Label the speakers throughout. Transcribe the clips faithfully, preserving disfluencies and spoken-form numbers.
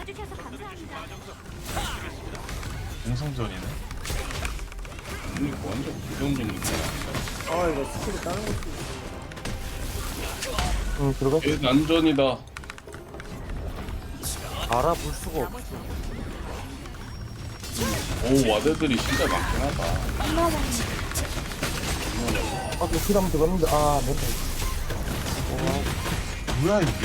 Speaker 1: 와주셔서 감사합니다.
Speaker 2: 공성전이네.
Speaker 3: 이거 완전 부정적인데.
Speaker 4: 아 이거 스킬을 다른 것도
Speaker 5: 응 들어가.
Speaker 3: 얘 난전이다.
Speaker 5: 알아볼 수가 없어.
Speaker 3: 오 와드들이 진짜 많긴 하다.
Speaker 5: 아그 피라면 들어갔는데 아 멘탈.
Speaker 2: 뭐야 이게?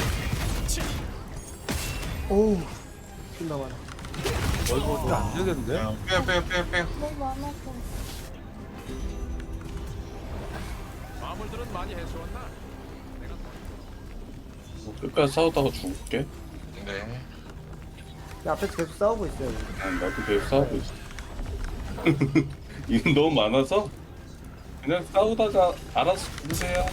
Speaker 4: 오우 존나 많아.
Speaker 5: 이거 안 되겠는데?
Speaker 2: 야, 빼요 빼요 빼요 빼요.
Speaker 1: 너무 많아서.
Speaker 6: 마물들은 많이 해소했나?
Speaker 3: 뭐 끝까지 싸우다가 죽을게.
Speaker 2: 네.
Speaker 4: 야, 앞에서 계속 싸우고 있어요. 우리.
Speaker 3: 아, 나도 계속 싸우고 있어. 이건 너무 많아서 그냥 싸우다가 알아서 죽으세요.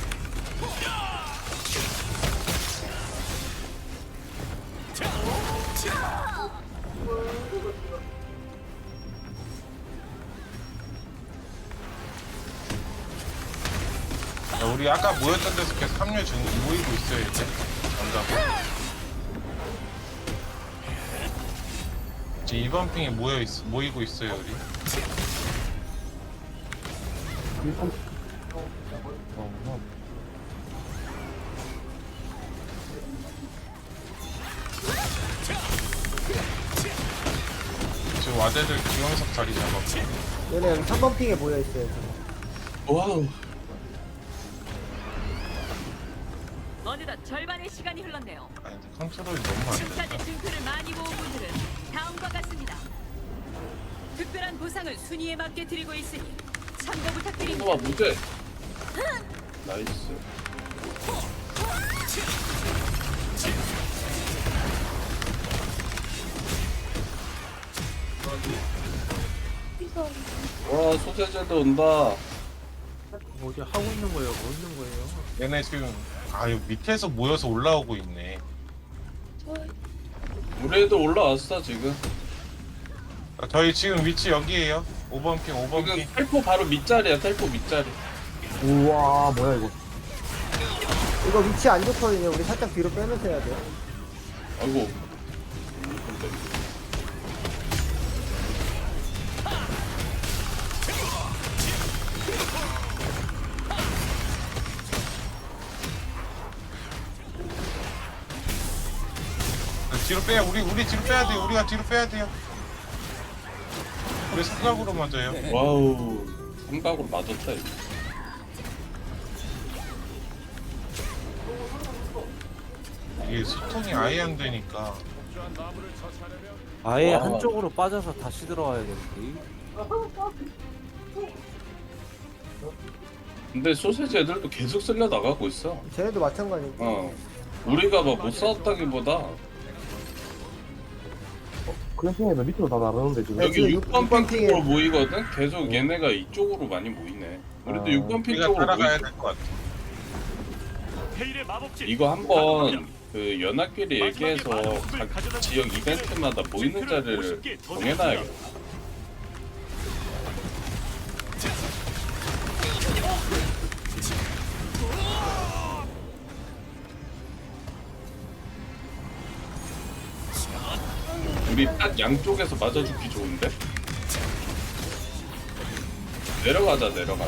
Speaker 2: 야, 우리 아까 모였던 데서 계속 합류 중 모이고 있어요 이제. 남자고. 이제 이번 핑에 모여 있 모이고 있어요 우리. 지금 와대들 기영석 자리 잡았고.
Speaker 4: 얘네 여기 삼 번 핑에 모여 있어요. 지금.
Speaker 3: 와우.
Speaker 7: 어느덧 절반의 시간이 흘렀네요.
Speaker 2: 아니 근데 컨트롤이 너무 안 돼.
Speaker 7: 승차제 증표를 많이 모은 분들은 다음과 같습니다. 특별한 보상을 순위에 맞게 드리고 있으니 참고 부탁드립니다.
Speaker 3: 와 무대. 나이스.
Speaker 1: 이거
Speaker 3: 와 소세지도 온다.
Speaker 5: 어디 하고 있는 거예요? 뭐 있는 거예요?
Speaker 2: 얘네 지금 아유 밑에서 모여서 올라오고 있네.
Speaker 3: 우리 애들 올라왔어 지금.
Speaker 2: 아, 저희 지금 위치 여기에요. 오 번 핑, 오 번 핑.
Speaker 3: 지금 텔포 바로 밑자리야. 텔포 밑자리.
Speaker 5: 우와 뭐야 이거?
Speaker 4: 이거 위치 안 좋거든요. 우리 살짝 뒤로 빼면서 해야 돼요.
Speaker 3: 아이고.
Speaker 2: 뒤로 빼야 우리 우리 뒤로 빼야 돼요. 우리가 뒤로 빼야 돼요. 우리 삼각으로 맞아요.
Speaker 3: 와우. 삼각으로 맞았다 이거.
Speaker 2: 이게 소통이 아예 안 되니까.
Speaker 6: 부주한 마물을 처치하려면
Speaker 5: 아예
Speaker 3: 와.
Speaker 5: 한쪽으로 빠져서 다시 들어와야겠지.
Speaker 3: 근데 소세지 애들도 계속 쓸려 나가고 있어.
Speaker 4: 쟤네도 마찬가지인데.
Speaker 3: 어. 우리가 막 못 싸웠다기보다
Speaker 5: 그런 핑에도 밑으로 다 나가는데 지금.
Speaker 4: 네,
Speaker 3: 여기
Speaker 4: 지금
Speaker 3: 육 번
Speaker 4: 육 번
Speaker 3: 핑 쪽으로 모이거든? 계속 얘네가 이쪽으로 많이 모이네. 우리도
Speaker 5: 아.
Speaker 3: 육 번 핑
Speaker 2: 우리가
Speaker 3: 쪽으로
Speaker 2: 따라가야
Speaker 3: 모이자.
Speaker 2: 될 것 같아.
Speaker 6: 헤일의 마법진
Speaker 3: 이거 한번 그 연합끼리 얘기해서 각 지역 이벤트마다 모이는 자리를 정해놔야겠다. 우리 딱 양쪽에서 맞아주기 좋은데? 내려가자 내려가자.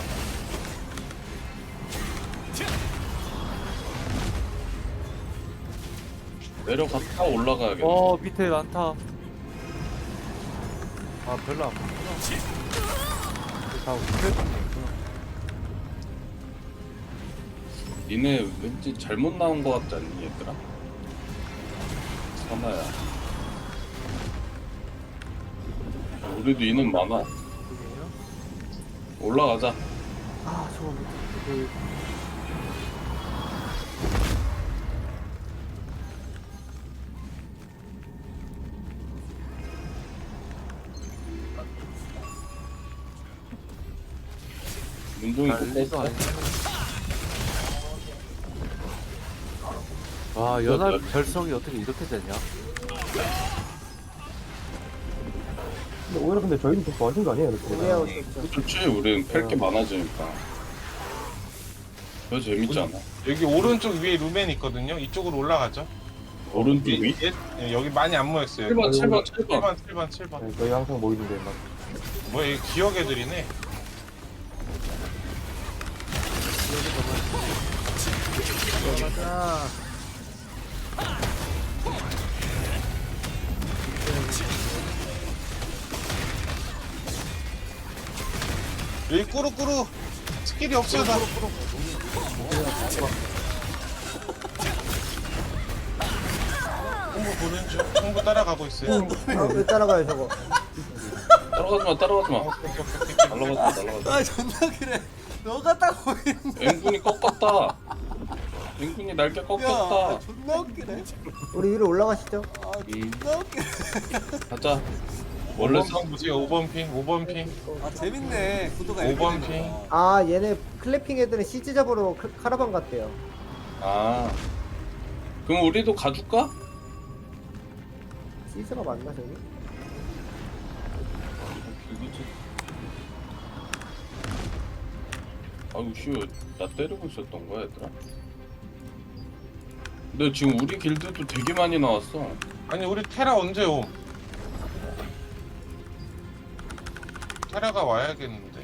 Speaker 3: 내려갔다 올라가야겠다.
Speaker 5: 어 밑에 많다. 아 별로 안 많구나. 다 밑에 있구나.
Speaker 3: 니네 왠지 잘못 나온 거 같지 않니 얘들아? 사나야. 우리도 인원 많아. 올라가자.
Speaker 4: 아 저거 밑에.
Speaker 5: 그
Speaker 3: 운동이
Speaker 5: 난리도
Speaker 3: 못
Speaker 5: 아니네. 와 연합 결성이 어떻게 이렇게 되냐? 근데 오히려 근데 저희는 더 좋아진 거 아니에요?
Speaker 4: 우리 하고 있었죠.
Speaker 3: 좋지. 우리는 팰 게 많아지니까. 더 재밌잖아.
Speaker 2: 여기 오른쪽 위에 루멘 있거든요. 이쪽으로 올라가죠.
Speaker 3: 오른쪽 위?
Speaker 2: 예, 여기 많이 안 모였어요.
Speaker 3: 칠 번, 칠 번, 칠 번.
Speaker 2: 칠 번, 칠 번, 칠 번.
Speaker 5: 네, 저희 항상 모이는데 막
Speaker 2: 뭐야, 이 기억 애들이네.
Speaker 5: 가자.
Speaker 2: 여기 꾸루꾸루 스킬이 없어요, 나. 홍보 보는 중. 홍보 따라가고 있어요.
Speaker 4: 아, 왜 따라가요 저거?
Speaker 3: 따라가지 마, 따라가지 마. 날라가지 마, 날라가지 마.
Speaker 8: 아 존나 그래. 너가 딱 보이는.
Speaker 3: 앵군이 꺾었다. 앵군이 날개
Speaker 8: 야
Speaker 3: 꺾었다.
Speaker 8: 존나 웃기네.
Speaker 4: 우리 위로 올라가시죠.
Speaker 8: 아
Speaker 3: 음,
Speaker 8: 존나 웃기네.
Speaker 3: 가자. 원래
Speaker 2: 원래
Speaker 3: 상
Speaker 2: 상 보세요. 오 번 핑, 오 번 핑.
Speaker 8: 아 재밌네. 구도가
Speaker 2: 오 번
Speaker 8: 이렇게
Speaker 2: 핑.
Speaker 8: 되는 거.
Speaker 4: 아 얘네 클래핑 애들은 시즈 잡으러 카- 카라반 갔대요.
Speaker 3: 아. 그럼 우리도 가줄까?
Speaker 4: 시즈가 맞나 저기?
Speaker 3: 길드지. 아이고 씨, 나 때리고 있었던 거야 얘들아? 근데 지금 우리 길드도 되게 많이 나왔어.
Speaker 2: 아니, 우리 테라 언제 옴? 테라가 와야겠는데.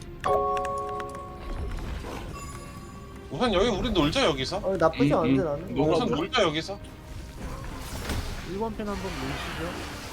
Speaker 2: 우선 여기 우리 놀자, 여기서.
Speaker 4: 어 나쁘지
Speaker 3: 음,
Speaker 4: 않은데
Speaker 3: 음.
Speaker 4: 나는.
Speaker 3: 너가
Speaker 2: 우선
Speaker 3: 뭐-
Speaker 2: 놀자, 여기서.
Speaker 5: 일 번 편 한번 모이시죠.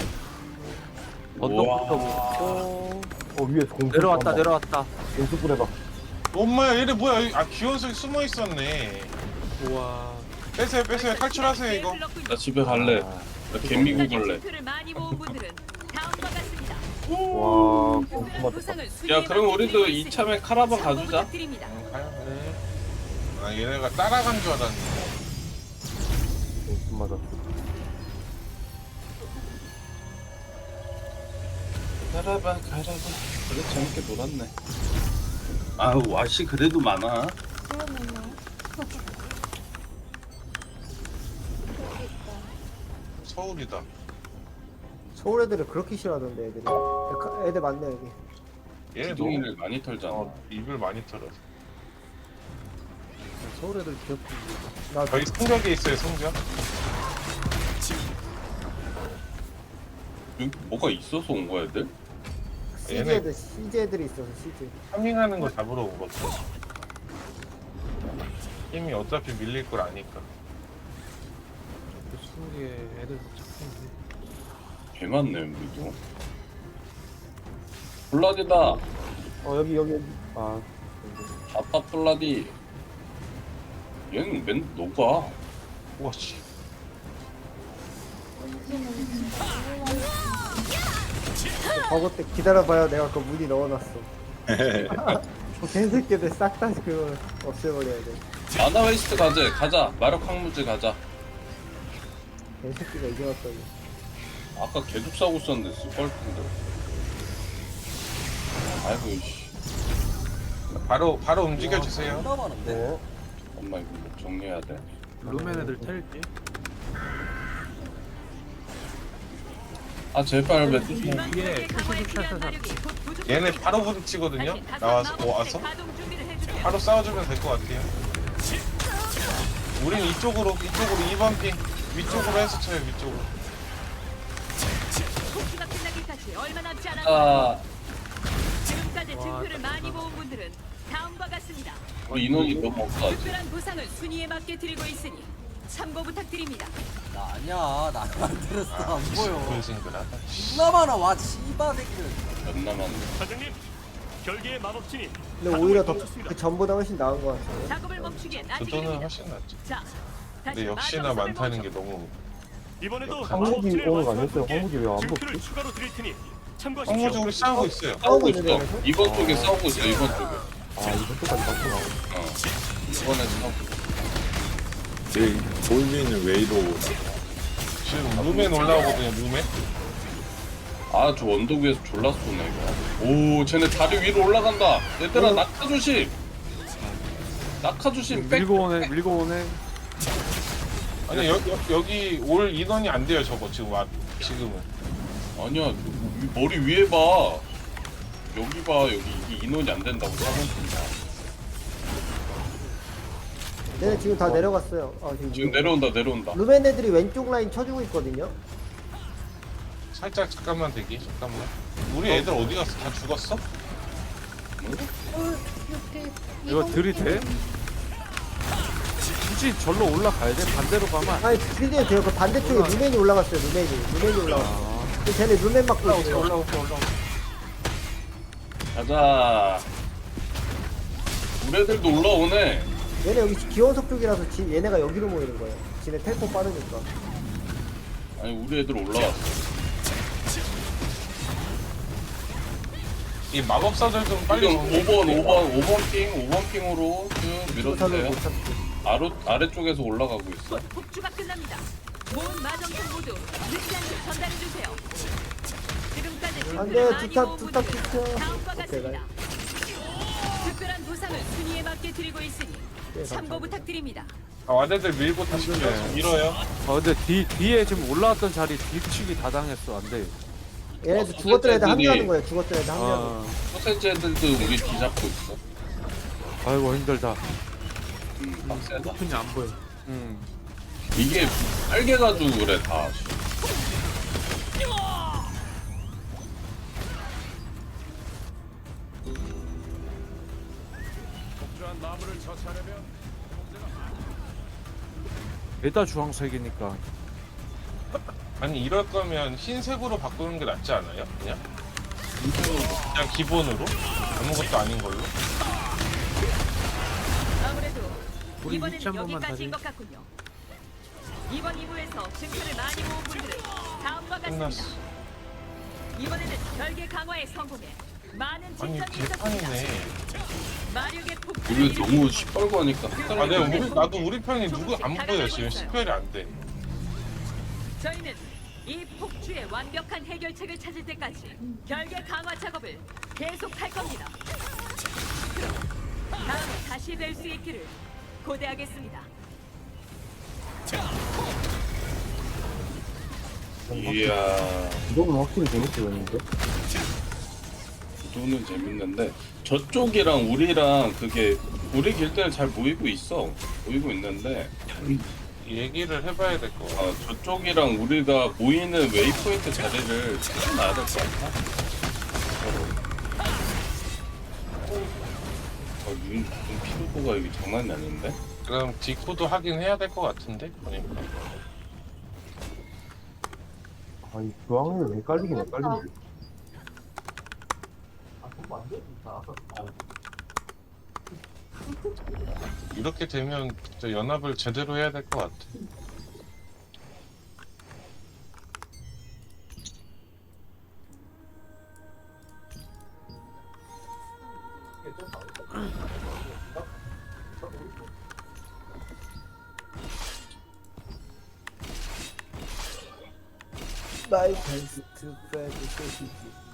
Speaker 3: 우와.
Speaker 5: 언덕부터 먹고
Speaker 9: 어 위에서 공
Speaker 5: 내려왔다 내려왔다.
Speaker 9: 연습을 해봐.
Speaker 2: 엄마야, 얘네 뭐야? 여기- 아, 기원석이 숨어 있었네.
Speaker 5: 우와.
Speaker 2: 빼세요, 빼세요. 탈출하세요, 이거.
Speaker 3: 나 집에 갈래. 나 개미국 갈래.
Speaker 7: 를 많이 모은 분들은 다음과 같습니다.
Speaker 9: 와
Speaker 7: 특별한 보상을
Speaker 3: 야
Speaker 7: 순위에
Speaker 3: 그럼
Speaker 7: 맞게
Speaker 3: 우리도
Speaker 7: 드리고 있으니
Speaker 3: 이참에 카라반
Speaker 7: 참고
Speaker 3: 가주자.
Speaker 7: 부탁드립니다.
Speaker 2: 응, 가요. 네. 아, 얘네가 따라간 줄 알았는데.
Speaker 9: 공 맞아.
Speaker 3: 가라반 가라반. 그래 재밌게 놀았네. 아우 와씨 그래도 많아.
Speaker 2: 서울이다.
Speaker 4: 서울 애들을 그렇게 싫어하던데 애들이. 야, 카- 애들 많네 여기.
Speaker 2: 얘네 너무
Speaker 3: 기둥이를 많이 털잖아.
Speaker 2: 어, 입을 많이 털어서.
Speaker 5: 서울 애들 귀엽지.
Speaker 4: 나
Speaker 2: 저희 성벽에 있어요, 성벽.
Speaker 3: 여기 뭐가 있어서 온 거야 애들?
Speaker 4: 시즈
Speaker 2: 얘네-
Speaker 4: 애들 시즈 애들이 있어서 시즈.
Speaker 2: 파밍하는 거 잡으러 온 거죠. 힘이 어차피 밀릴 걸 아니까.
Speaker 5: 수국에 애들 착한데.
Speaker 3: 개 많네 여기도. 블라디다.
Speaker 9: 어 여기 여기 여기. 아
Speaker 3: 아빠 블라디. 얘는 맨 녹아.
Speaker 2: 우와, 씨.
Speaker 4: 버거 때 기다려봐요. 내가 그 무늬 넣어놨어. 그 개새끼들 싹 다 그거 없애버려야 돼.
Speaker 3: 아나 웨이스트 가자. 가자. 마력 항무지 가자.
Speaker 4: 개새끼가 이제 왔다고.
Speaker 3: 아까 계속 싸우고 있었는데 쓸걸 텐데. 아이고 씨.
Speaker 2: 바로 바로 움직여 주세요.
Speaker 8: 존나 많은데.
Speaker 9: 네.
Speaker 3: 엄마 이거 뭐 정리해야 돼.
Speaker 5: 루멘 애들 텔지.
Speaker 3: 아 제발 왜 또-
Speaker 7: 이번
Speaker 5: 위에
Speaker 7: 구역의 강화에
Speaker 5: 푸시푸시
Speaker 7: 필요한
Speaker 5: 샷샷.
Speaker 7: 마력이 곧 부족합니다.
Speaker 2: 얘네 바로 부딪히거든요.
Speaker 7: 다시 다섯
Speaker 2: 나와서
Speaker 7: 마법
Speaker 2: 어, 와서
Speaker 7: 가동 준비를 해주세요.
Speaker 2: 바로 싸워주면 될 것 같아요. 우린 이쪽으로 이쪽으로 이 번 핑 위쪽으로 해서 쳐요, 위쪽으로.
Speaker 7: 복수가 끝나기까지 얼마 남지 않았습니다.
Speaker 3: 아
Speaker 7: 지금까지
Speaker 5: 와,
Speaker 7: 증표를 많이
Speaker 5: 깜짝이야.
Speaker 7: 모은 분들은 다음과 같습니다.
Speaker 3: 우리 인원이 너무 없어 아직.
Speaker 7: 특별한 보상을 순위에 맞게 드리고 있으니 참고 부탁드립니다.
Speaker 8: 나 아니야. 나 안 들었어. 안 보여.
Speaker 2: 싱글싱글하다.
Speaker 8: 존나 많아. 와 씨바 새끼들.
Speaker 3: 몇 남았네.
Speaker 6: 사장님, 결계의 마법진이
Speaker 4: 근데 오히려 더 그 전보다 훨씬 나은 것 같아요.
Speaker 7: 작업을 멈추기엔 아직
Speaker 2: 저도는
Speaker 7: 이릅니다.
Speaker 2: 훨씬 낫죠.
Speaker 7: 자, 다시
Speaker 2: 근데 역시나
Speaker 7: 마법
Speaker 2: 많다는
Speaker 7: 선을
Speaker 2: 게 너무.
Speaker 6: 이번에도
Speaker 9: 황무지
Speaker 6: 마법진을
Speaker 9: 오늘 안
Speaker 6: 완수한
Speaker 9: 했어요.
Speaker 6: 분께
Speaker 9: 황무지 왜안
Speaker 6: 증표를
Speaker 9: 먹지?
Speaker 6: 추가로 드릴 테니
Speaker 2: 황무지
Speaker 6: 참고하십시오.
Speaker 2: 우리 싸우고 있어요.
Speaker 3: 싸우고
Speaker 4: 있는데,
Speaker 3: 있어.
Speaker 4: 그래서?
Speaker 3: 이번 쪽에 싸우고 있어. 이번 쪽에.
Speaker 9: 아 이번 주까지 갔구나.
Speaker 3: 어. 이번에 싸우고 있어.
Speaker 10: 제 볼비는 웨이로
Speaker 2: 지금 루멘 올라오거든요, 루멘.
Speaker 3: 아 저 언덕 위에서 졸라 쏘네 이거. 오 쟤네 다리 위로 올라간다. 얘들아 낙하 조심. 낙하 조심. 백.
Speaker 5: 밀고 오네 밀고 오네.
Speaker 2: 아니 여, 여, 여기 올 인원이 안 돼요, 저거 지금 와 지금은.
Speaker 3: 아니야 위- 머리 위에 봐. 여기 봐 여기 이게 인원이 안 된다고 사본
Speaker 4: 얘네 지금 다 내려갔어요. 아, 지금,
Speaker 3: 지금 내려온다 내려온다.
Speaker 4: 루멘 애들이 왼쪽 라인 쳐주고 있거든요.
Speaker 2: 살짝 잠깐만 대기 잠깐만. 우리 애들 어디 갔어? 다 죽었어?
Speaker 1: 어, 이렇게
Speaker 5: 이거 들이대? 굳이 절로 올라가야 돼? 반대로 가면 안 돼?
Speaker 4: 아니 드디어 돼요. 그 반대쪽에 루멘이 올라갔어요. 루멘이 루멘이 올라갔어. 근데 쟤네 루멘 막고 있어요.
Speaker 5: 올라오세요 올라오세요.
Speaker 3: 가자. 우리 애들도 올라오네.
Speaker 4: 얘네 여기 기원석 쪽이라서 지, 얘네가 여기로 모이는 거예요. 지네 텔포 빠르니까.
Speaker 3: 아니 우리 애들 올라왔어.
Speaker 2: 이 마법사들 좀 빨리
Speaker 3: 지금
Speaker 2: 정리.
Speaker 3: 오 번 오 번 오 번 핑 오 번 핑으로 쭉
Speaker 4: 조사를
Speaker 3: 밀어주세요.
Speaker 4: 못 찾지.
Speaker 3: 아래 아래쪽에서 올라가고 있어.
Speaker 7: 곧 폭주가 끝납니다. 모든 마정품 모두 늦지 않게 전달해 주세요. 지금까지
Speaker 4: 안
Speaker 7: 득표를
Speaker 4: 돼,
Speaker 7: 많이
Speaker 4: 두탑,
Speaker 7: 모은
Speaker 4: 두탑
Speaker 7: 분들은
Speaker 4: 지켜.
Speaker 7: 다음과
Speaker 4: 오케이,
Speaker 7: 같습니다. 특별한 보상을 순위에 맞게 드리고 있으니
Speaker 4: 네,
Speaker 7: 참고
Speaker 4: 감사합니다.
Speaker 7: 부탁드립니다.
Speaker 2: 아, 와대들 밀고 다시 밀어서 밀어요.
Speaker 5: 아 근데 뒤, 뒤에 지금 올라왔던 자리 뒤치기 다 당했어 안돼.
Speaker 4: 얘네도
Speaker 3: 어,
Speaker 4: 죽었던 애들
Speaker 3: 애들이-
Speaker 4: 합류하는 거예요. 죽었던 애들 합류하는 거.
Speaker 5: 아
Speaker 3: 소세지 애들도 우리 뒤잡고 있어.
Speaker 5: 아이고 힘들다.
Speaker 3: 음, 빡세다.
Speaker 5: 그냥 안 보여. 음.
Speaker 3: 이게 빨개가지고 그래 다.
Speaker 5: 에다 주황색이니까.
Speaker 2: 아니 이럴 거면 흰색으로 바꾸는 게 낫지 않아요? 그냥? 그냥 기본으로? 아무것도 아닌 걸로?
Speaker 7: 아무래도
Speaker 5: 우리
Speaker 7: 이번에는
Speaker 5: 위치 한 번만
Speaker 7: 여기까지인
Speaker 5: 다시.
Speaker 7: 것 같군요. 이번 이 부에서 증표를 많이 모은 분들은 다음과
Speaker 2: 끝났어.
Speaker 7: 같습니다. 이번에는 별개 강화에 성공해 많은
Speaker 2: 아니
Speaker 7: 칭찬이 있었습니다.
Speaker 2: 개판이네.
Speaker 7: 마력의 폭풍
Speaker 3: 이게 너무 시뻘고 하니까
Speaker 2: 아 내가
Speaker 3: 헷갈리네.
Speaker 2: 우리, 나도 우리 편이 누구 안 보여 지금 식별이 안 돼.
Speaker 7: 저희는 이 폭주의 완벽한 해결책을 찾을 때까지 별개 강화 작업을 계속할 겁니다. 그럼 다음에 다시 뵐 수 있기를 고대하겠습니다.
Speaker 3: 이야.
Speaker 9: 이거는 확실히 재밌게 보이는데?
Speaker 3: 구도는 재밌는데 저쪽이랑 우리랑 그게 우리 길드는 잘 모이고 있어. 모이고 있는데
Speaker 2: 얘기를 해봐야 될 거 같아.
Speaker 3: 아, 저쪽이랑 우리가 모이는 웨이포인트 자리를 찾아놔야 될 것 같아. 어, 눈, 눈 피로도가 이게 장난이 아닌데?
Speaker 2: 그럼 디코도 하긴 해야 될 것 같은데 보니까.
Speaker 9: 아, 이 교황을 헷갈리긴 헷갈리네.
Speaker 2: 이렇게 되면 진짜 연합을 제대로 해야 될 것 같아.
Speaker 4: 나의 베스트 프렌드 소시지.